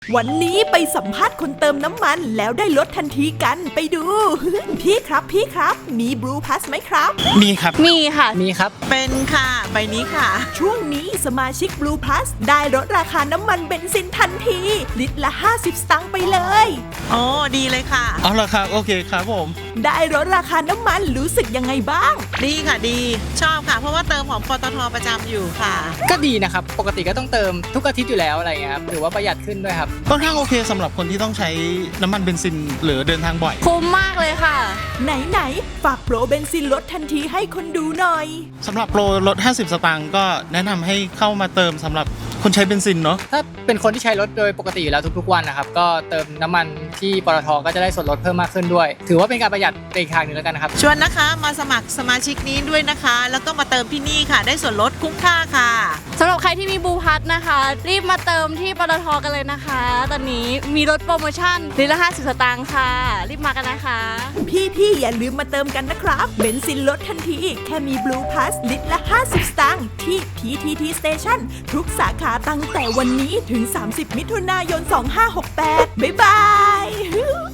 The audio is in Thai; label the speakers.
Speaker 1: วันนี้ไปสัมภาษณ์คนเติมน้ำมันแล้วได้ลดทันทีกันไปดู พี่ครับมีบลูพลัสไหมครับ
Speaker 2: มีครับ
Speaker 3: มีค่ะ
Speaker 2: มีครับ
Speaker 4: เป็นค่ะใบนี้ค่ะ
Speaker 1: ช่วงนี้สมาชิกบลูพลัสได้ลดราคาน้ำมันเบนซินทันทีลิตรละ50 สตางค์ไปเลย
Speaker 4: โอ้ดีเลยค่ะ
Speaker 2: เอาละครับโอเคครับผม
Speaker 1: ได้ลดราคาน้ำมันรู้สึกยังไงบ้าง
Speaker 4: ดีค่ะดีชอบค่ะเพราะว่าเติมของปตทประจำอยู่ค่ะ
Speaker 5: ก็ดีนะครับปกติก็ต้องเติมทุกอาทิตย์อยู่แล้วอะไรเงี้ยครับถือว่าประหยัดขึ้นด้วยครับ
Speaker 2: ค่อนข้างโอเคสำหรับคนที่ต้องใช้น้ำมันเบนซินหรือเดินทางบ่อย
Speaker 3: คุ้มมากเลยค่ะ
Speaker 1: ไหนฝากโปรเบนซินลดทันทีให้คนดูหน่อย
Speaker 2: สำหรับโปรลด50 สตางค์ก็แนะนำให้เข้ามาเติมสำหรับคนใช้เบนซินเนาะ
Speaker 5: ถ้าเป็นคนที่ใช้รถโดยปกติอยู่แล้วทุกๆวันนะครับก็เติมน้ำมันที่ปตทก็จะได้ส่วนลดเพิ่มมากขึ้นด้วยถือว่าเป็นการประหยัดในอีกทางหนึ่งแล้วกันนะครับ
Speaker 4: ชวนนะคะมาสมัครสมาชิกนี้ด้วยนะคะแล้วก็มาเติมที่นี่ค่ะได้ส่วนลดคุ้มค่าค่ะ
Speaker 3: สำหรับใครที่มีบลูพลัสนะคะรีบมาเติมที่ปตทกันเลยนะคะตอนนี้มีลดโปรโมชั่นลิตรละ50 สตางค์ค่ะรีบมากันนะคะ
Speaker 1: พี่อย่าลืมมาเติมกันนะครับเบนซินลดทันทีแค่มีบลูพลัสลิตรละ50 สตางค์ที่ PTT Station ทุกสาขาตั้งแต่วันนี้ถึง30 มิถุนายน 2568บ๊ายบาย